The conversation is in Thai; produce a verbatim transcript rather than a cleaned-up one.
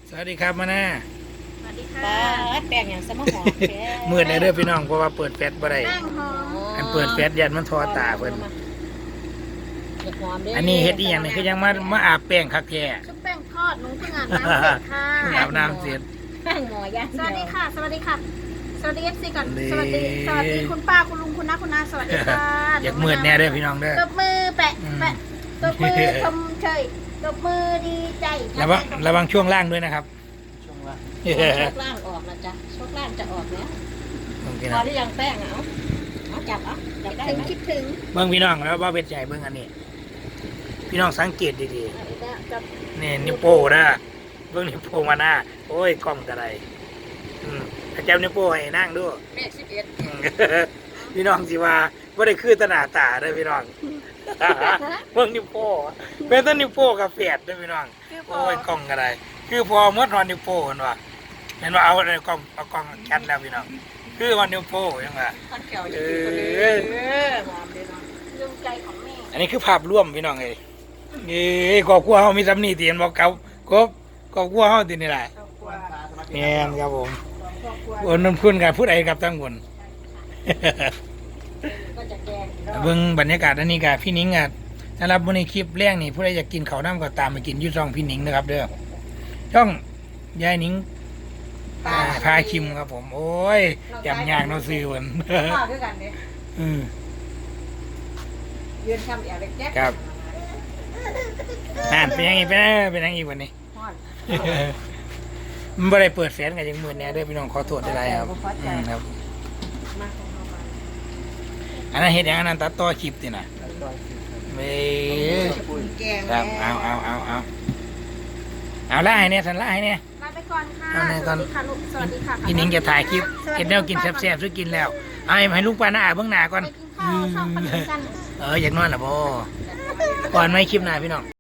สวัสดีครับมาหน้าสวัสดีค่ะป้าแป้งอย่างสมหอมแท้มืดเลยเด้อพี่น้องเพราะว่าเปิดแฟลชบ่ได้แป้งหอมอันเปิดแฟลชยันมันทอตาเพิ่นอย่าหอมเด้อันนี้เฮ็ดอีหยังนี่คือยังมามาอาบแป้งคักแท้ชุบแป้งทอดหนูเพิ่งอาบน้ำเสร็จค่ะอาบน้ำเสร็จข้างหมอย่างสวัสดีค่ะ สวัสดีค่ะ สวัสดีเอฟซีก่อนนี่สวัสดี สวัสดีคุณป้าคุณลุงคุณน้าคุณน้าสวัสดีค่ะอยากมืดแน่เด้อพี่น้องเด้อตบมือแปะแปะตบมือชมเชยตบมือดีใจระวังระวังช่วงล่างด้วยนะครับโชคล่างออกแล้วจ้ะโชคล่างจะออกแล้วเบิ่งพี่พน้อองหรือยังแป้งอ่ะเอาเอาจับเอาจับได้ถึงไหมคิดถึงเบิ่งพี่น้องแล้วว่าเป็นใจเบิ่งอันนี้ พี่น้องสังเกตดีเอาอีกแล้วจับๆนี่นิ้วโป้นะเบิ่งนิ้วโป้มาหน้าโอ้ยกล้องกระไรอืมถ้าจับนิ้วโป้ให้นั่งดูเลขสิบเอ็ดอืม พี่น้องสิว่าบ่ได้คือตาหน้าตาเด้อพี่น้อง เบิ่งนิ้วโป้เป็นต้นนิ้วโป้กับแฝดเด้อพี่น้องคือพอโอ้ยกล้องกระไรคือพอเมื่อทอนนิ้วโป้เห็นว่าเห็นว่าเอาเอากล้องเอากล้องแคทแล้วพี่น้องคือวันนิ้วโป้ยังไงข้าวเขียวจะกินคนเดียวเออหอมเลยเนาะดวงใจของแม่อันนี้คือภาพร่วมพี่น้องเอ้ยเอ้ยครอบครัวเฮามีสำนีตีเห็นบอกเขาครบครอบครัวเฮาตีนี่แหละครอบครัวแม่นครับผมครอบครัวโอนนนพุ่นกันพูดไอ้กับทั้งคนก็จะแกงอีกรอบเบิ่งบรรยากาศอันนี้กับพี่นิ้งอ่ะสำหรับวันนี้คลิปแรกนี่ผู้ใดอยากกินข้าวน้ำก็ตามไปกินอยุ่ช่องพี่นิ้งนะครับเด้อช่องยายนิ้งอ่าพาชิมครับผม โอ้ยจำยากเนาะซื้อมันข้าวด้วยกันเนี่ยอืมยืนทำอย่างเล็กแจ๊กครับ นั่นเป็นยังไงเป็นยังไงเป็นยังไงวันนี้ฮอดมันไม่ได้เปิดแฟนกันยังมือแน่เด้อพี่น้องขอโทษได้ครับอืมครับมาของเราไปอันนั้นเห็ดอย่างอันนั้นตัดต่อคลิปตินะเว้ยแกงครับเอาเอาเอาเอาเอาไล่เนี่ยสันไล่เนี่ยลาไปก่อนค่ะเอาไหนสก่อวัน สดีค่ะลูก สวัสดีค่ะพี่นิ้งจะถ่ายคลิปเห็ดแนวกินแซ่บๆซื้อกินแล้วเอาให้ให้ลูกปลาหน้าเบื้องหน้าก่อนไปกินข้าวช่องปนิกันเอออยากนอนเหรอพ่อก่อนไม่คลิปหน้าพี่น้อง